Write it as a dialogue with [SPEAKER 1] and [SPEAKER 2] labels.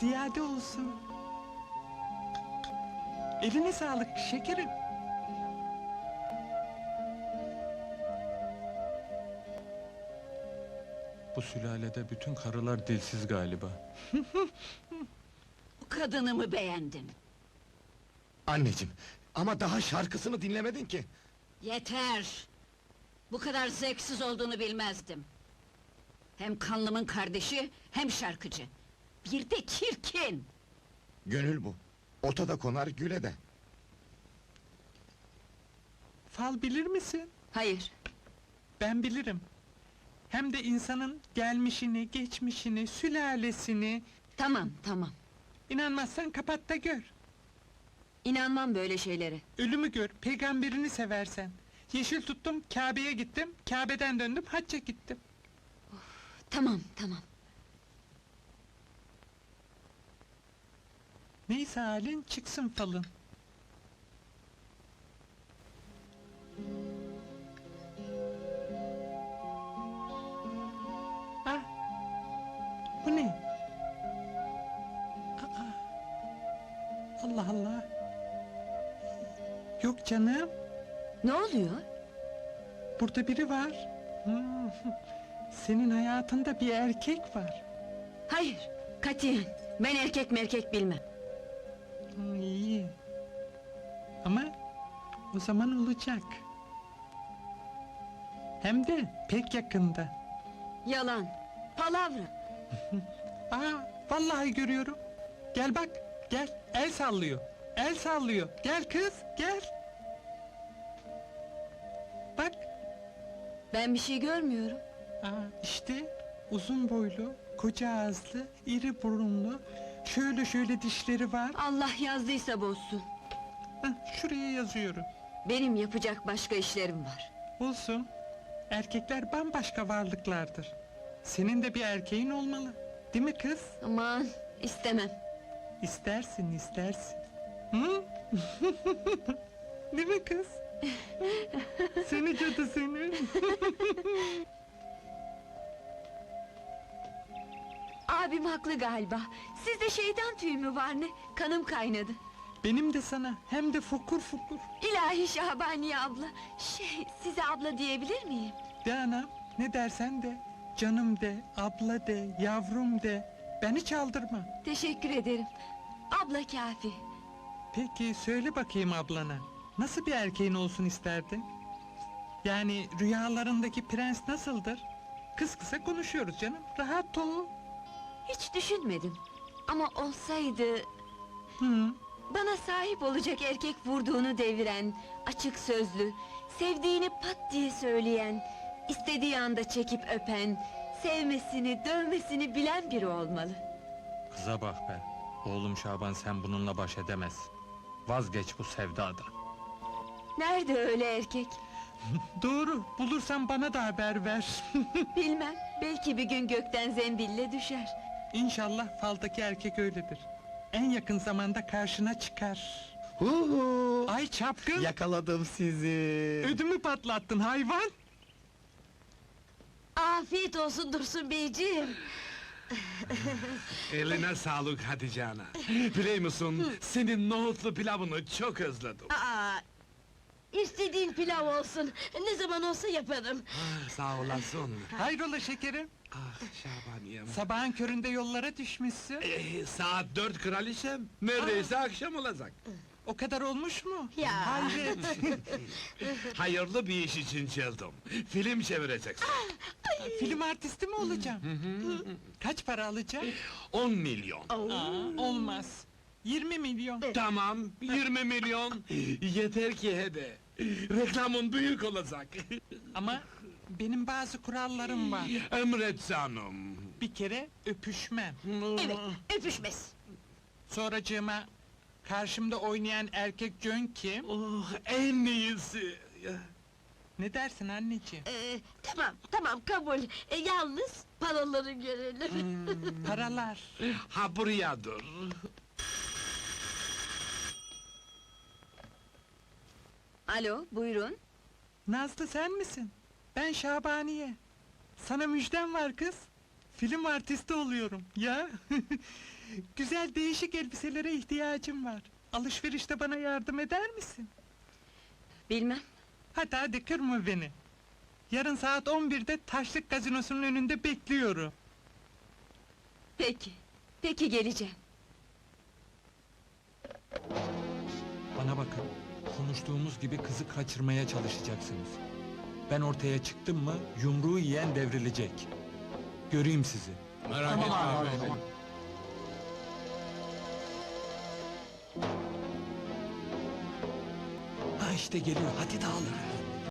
[SPEAKER 1] ziyade olsun. Eline sağlık şekerim. Bu sülalede bütün karılar dilsiz galiba.
[SPEAKER 2] Bu kadını mı beğendin?
[SPEAKER 3] Anneciğim, ama daha şarkısını dinlemedin ki.
[SPEAKER 2] Yeter! Bu kadar zevksiz olduğunu bilmezdim. Hem kanlımın kardeşi, hem şarkıcı. Bir de çirkin!
[SPEAKER 3] Gönül bu. Ota da konar, güle de.
[SPEAKER 1] Fal bilir misin?
[SPEAKER 2] Hayır,
[SPEAKER 1] Ben bilirim. Hem de insanın gelmişini, geçmişini, sülalesini...
[SPEAKER 2] tamam, tamam.
[SPEAKER 1] İnanmazsan kapat da gör.
[SPEAKER 2] İnanmam böyle şeylere.
[SPEAKER 1] Ölümü gör, peygamberini seversen. Yeşil tuttum, Kabe'ye gittim, Kabe'den döndüm, hacca gittim.
[SPEAKER 2] Tamam, tamam.
[SPEAKER 1] Neyse halin, çıksın falın. Ah! Bu ne? Aa! Allah Allah! Yok canım,
[SPEAKER 2] Ne oluyor?
[SPEAKER 1] burada biri var. Hmm, senin hayatında bir erkek var.
[SPEAKER 2] Hayır, katiyen. Ben erkek merkek bilmem.
[SPEAKER 1] İyi. Ama o zaman olacak. Hem de pek yakında.
[SPEAKER 2] Yalan, palavra.
[SPEAKER 1] Aa, vallahi görüyorum. Gel bak, gel. El sallıyor. El sallıyor. Gel kız, gel. Bak.
[SPEAKER 2] Ben bir şey görmüyorum.
[SPEAKER 1] Aa, işte uzun boylu, koca ağızlı, iri burunlu, şöyle şöyle dişleri var.
[SPEAKER 2] Allah yazdıysa bozsun.
[SPEAKER 1] Hah, şuraya yazıyorum.
[SPEAKER 2] Benim yapacak başka işlerim var.
[SPEAKER 1] Olsun. Erkekler bambaşka varlıklardır. Senin de bir erkeğin olmalı. Değil mi kız?
[SPEAKER 2] Aman, istemem.
[SPEAKER 1] İstersin, istersin. Hı? Değil mi kız? Seni cadı seni.
[SPEAKER 2] Abim haklı galiba. Sizde şeytan tüyü mü var ne? Kanım kaynadı.
[SPEAKER 1] Benim de sana, hem de fokur fokur.
[SPEAKER 2] İlahi Şahbaniye abla. Size abla diyebilir miyim?
[SPEAKER 1] De anam, ne dersen de. Canım de, abla de, yavrum de. Beni çaldırma.
[SPEAKER 2] Teşekkür ederim. Abla kafi.
[SPEAKER 1] Peki, söyle bakayım ablana. Nasıl bir erkeğin olsun isterdin? Yani rüyalarındaki prens nasıldır? Kız kısa konuşuyoruz canım, rahat ol.
[SPEAKER 2] Hiç düşünmedim. Ama olsaydı...
[SPEAKER 1] Hı.
[SPEAKER 2] Bana sahip olacak erkek vurduğunu deviren, açık sözlü, sevdiğini pat diye söyleyen, istediği anda çekip öpen, sevmesini, dövmesini bilen biri olmalı.
[SPEAKER 1] Kıza bak be. Oğlum Şaban, sen bununla baş edemez. Vazgeç bu sevdadan.
[SPEAKER 2] Nerede öyle erkek?
[SPEAKER 1] Doğru, bulursan bana da haber ver.
[SPEAKER 2] Bilmem, belki bir gün gökten zembille düşer.
[SPEAKER 1] İnşallah faldaki erkek öyledir. En yakın zamanda karşına çıkar.
[SPEAKER 3] Huhu!
[SPEAKER 1] Ay çapkın!
[SPEAKER 3] Yakaladım sizi.
[SPEAKER 1] Ödümü patlattın hayvan!
[SPEAKER 2] Afiyet olsun Dursun beyciğim.
[SPEAKER 4] Eline sağlık Hatice ana. Biliyor musun, senin nohutlu pilavını çok özledim.
[SPEAKER 5] Aa, istediğin pilav olsun, ne zaman olsa yaparım.
[SPEAKER 4] Ah, sağ olasın.
[SPEAKER 1] Hayrola şekerim?
[SPEAKER 4] Ah Şabaniyem.
[SPEAKER 1] Sabahın köründe yollara düşmüşsün.
[SPEAKER 4] Saat 4 kraliçem, neredeyse akşam olacak.
[SPEAKER 1] O kadar olmuş mu?
[SPEAKER 5] Ya.
[SPEAKER 1] Hayret!
[SPEAKER 4] Hayırlı bir iş için çıldım. Film çevireceksin.
[SPEAKER 1] Film artisti mi olacağım? Kaç para alacağım?
[SPEAKER 4] 10 milyon.
[SPEAKER 1] Aa, olmaz. 20 milyon.
[SPEAKER 4] Tamam, 20 milyon. Yeter ki hede. Reklamın büyük olacak.
[SPEAKER 1] Ama benim bazı kurallarım var.
[SPEAKER 4] Emret canım.
[SPEAKER 1] Bir kere öpüşmem.
[SPEAKER 5] Evet, öpüşmez.
[SPEAKER 1] Sonracığıma karşımda oynayan erkek Jön kim?
[SPEAKER 4] Oh, en iyisi.
[SPEAKER 1] Ne dersin anneciğim?
[SPEAKER 5] Tamam, kabul. Yalnız paraları görelim.
[SPEAKER 1] Paralar.
[SPEAKER 4] Ha buraya dur.
[SPEAKER 2] Alo, buyurun.
[SPEAKER 1] Nazlı sen misin? Ben Şabaniye. Sana müjdem var kız. Film artisti oluyorum ya. Güzel değişik elbiselere ihtiyacım var. Alışverişte bana yardım eder misin?
[SPEAKER 2] Bilmem.
[SPEAKER 1] Hadi kırma beni. Yarın saat 11'de Taşlık Gazinosu'nun önünde bekliyorum.
[SPEAKER 2] Peki. Peki geleceğim.
[SPEAKER 1] Bana bakın, konuştuğumuz gibi kızı kaçırmaya çalışacaksınız. Ben ortaya çıktım mı, yumruğu yiyen devrilecek. Göreyim sizi.
[SPEAKER 4] Merak etme abi.
[SPEAKER 1] Ha işte geliyor, hadi dağılın.